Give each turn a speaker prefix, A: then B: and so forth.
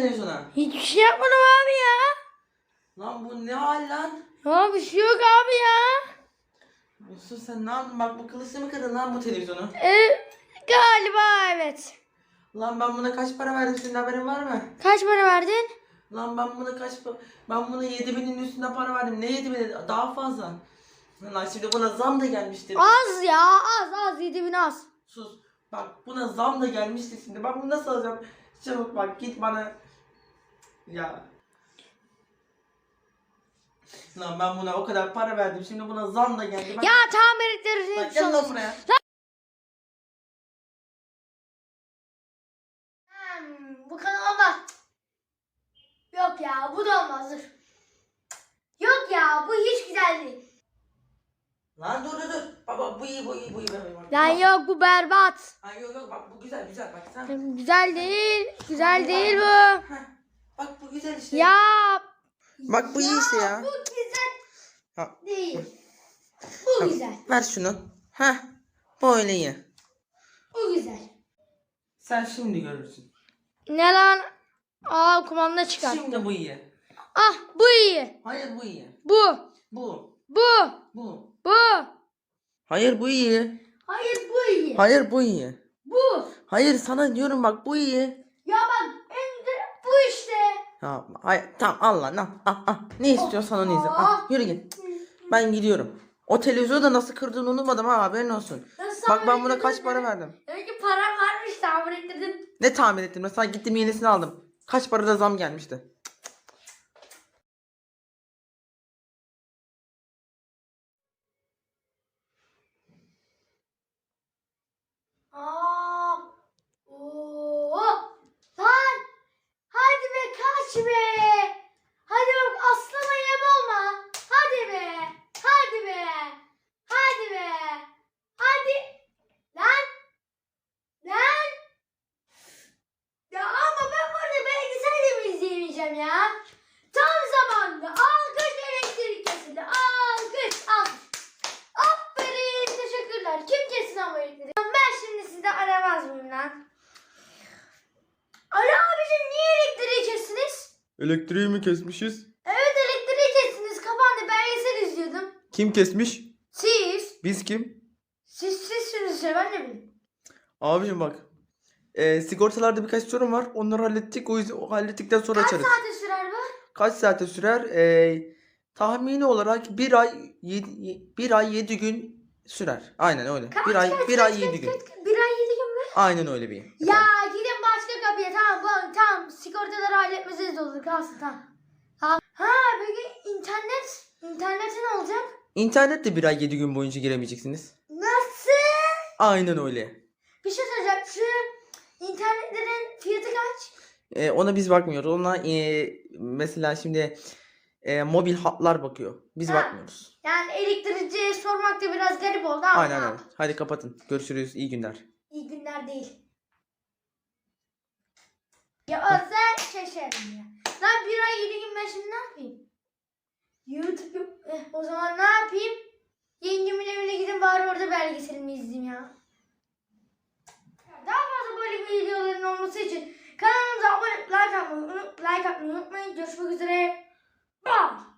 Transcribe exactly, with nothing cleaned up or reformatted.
A: televizyona?
B: Hiçbir şey yapmadım abi ya.
A: Lan bu ne hal lan?
B: Ya bir şey yok abi ya.
A: Yusuf sen ne yaptın? Bak bu kılıçla mı kırdın lan bu televizyonu?
B: Ee, galiba evet.
A: Lan ben buna kaç para verdim, senin haberin var mı?
B: Kaç para verdin?
A: Lan ben buna kaç pa- ben buna yedi binin üstünde para verdim. Ne yedi bini? Daha fazla. Lan şimdi buna zam da gelmiştir.
B: Az ya az az yedi bin az.
A: Sus. Bak buna zam da gelmiştir şimdi. Ben bunu nasıl alacağım? Çabuk bak git bana. Ya. Lan ben buna o kadar para verdim. Şimdi buna zam da geldi. Bak,
B: Ya tamir ettiririz.
A: bak gel lan buraya.
B: Hmm, bu kanal olmaz. Yok ya bu da olmaz dur. Yok ya bu hiç güzel değil.
A: Lan dur dur dur. Baba bu iyi bu iyi bu iyi. Bak,
B: Lan
A: bak.
B: yok bu berbat.
A: Ha, yok yok bak bu güzel güzel bak sen.
B: Güzel değil. Güzel değil bu.
A: Heh, bak bu güzel işte.
B: Ya.
A: Bak bu iyi işte ya.
B: Bu güzel
A: Ha.
B: değil. Bu güzel.
A: Ver şunu. Heh. Böyle iyi.
B: Bu güzel.
A: Sen şimdi görürsün.
B: Ne lan? Aa kumanda çıkar.
A: Şimdi bu iyi.
B: Ah bu iyi.
A: Hayır bu iyi.
B: Bu.
A: Bu.
B: Bu.
A: Bu.
B: Bu.
A: Hayır bu iyi.
B: Hayır bu iyi.
A: Hayır bu iyi.
B: Bu.
A: Hayır sana diyorum bak bu iyi.
B: Ya bak en güzel bu işte.
A: Ha, hayır tamam al lan al, al, al. Ne istiyorsan onu izle. Al, yürü git. Ben gidiyorum. O televizyonu da nasıl kırdığını unutmadım ha, haberin olsun.
B: Nasıl
A: Bak ben
B: tamir
A: buna kaç
B: ettirdin?
A: para verdim.
B: Demek ki param varmış tamir ettirdin.
A: Ne tahmin ettim? Mesela gittim yenisini aldım. Kaç parada zam gelmişti.
B: Aa. Oo. Lan. Hadi be kaç be. Hadi bak aslana yem olma. Hadi be. Hadi be. Hadi be. Hadi. Lan. Lan. Ya ama ben burada belgesel de mi izleyemeyeceğim ya? Tam zamanında alkış elektrik kesildi. Alkış alkış. Aferin teşekkürler. Kim kesin ama elektriği? Ben şimdi sizi aramaz mıyım lan? Alo abicim niye elektriği kestiniz?
A: Elektriği mi kesmişiz?
B: Evet elektriği kestiniz. Kapandı belgesel izliyordum.
A: Kim kesmiş?
B: Siz.
A: Biz kim?
B: Siz sizsiniz işte ben de bileyim.
A: Abicim bak. E, sigortalarda birkaç sorun var. Onları hallettik. O yüzden o hallettikten sonra
B: Kaç
A: açarız.
B: saate sürer bu?
A: Kaç saate sürer? E, tahmini olarak bir ay yedi, bir ay yedi gün sürer. Aynen öyle.
B: Kaç,
A: bir ay
B: kaç,
A: bir
B: kaç,
A: ay
B: kaç,
A: yedi gün.
B: kaç, kaç? Bir ay yedi gün mü?
A: Aynen öyle bir.
B: Ya gidin başka kapıya tamam bu tamam sigortaları halletmeseniz olur kalsın tamam. Ha, ha peki internet interneti ne olacak?
A: İnternet de bir ay yedi gün boyunca giremeyeceksiniz.
B: Nasıl?
A: Aynen öyle.
B: Bir şey söyleyeceğim şu internetlerin fiyatı kaç?
A: E, ona biz bakmıyoruz. Ona e, mesela şimdi e, mobil hatlar bakıyor. Biz
B: Ha.
A: bakmıyoruz.
B: Yani elektrikçiye sormak da biraz garip oldu ama
A: Aynen
B: ne
A: öyle.
B: yapayım?
A: Hadi kapatın. Görüşürüz. İyi günler.
B: İyi günler değil. Ya özel şaşarım ya. Lan bir ay yedi gün ben şimdi ne yapayım? YouTube yok. Eh, o zaman ne yapayım? Yengemin evine gidin bari orada belgeselimi izleyeyim ya. Daha fazla böyle videoların olması için kanalımıza abone like atmayı, like atmayı unutmayın. Görüşmek üzere. Bye.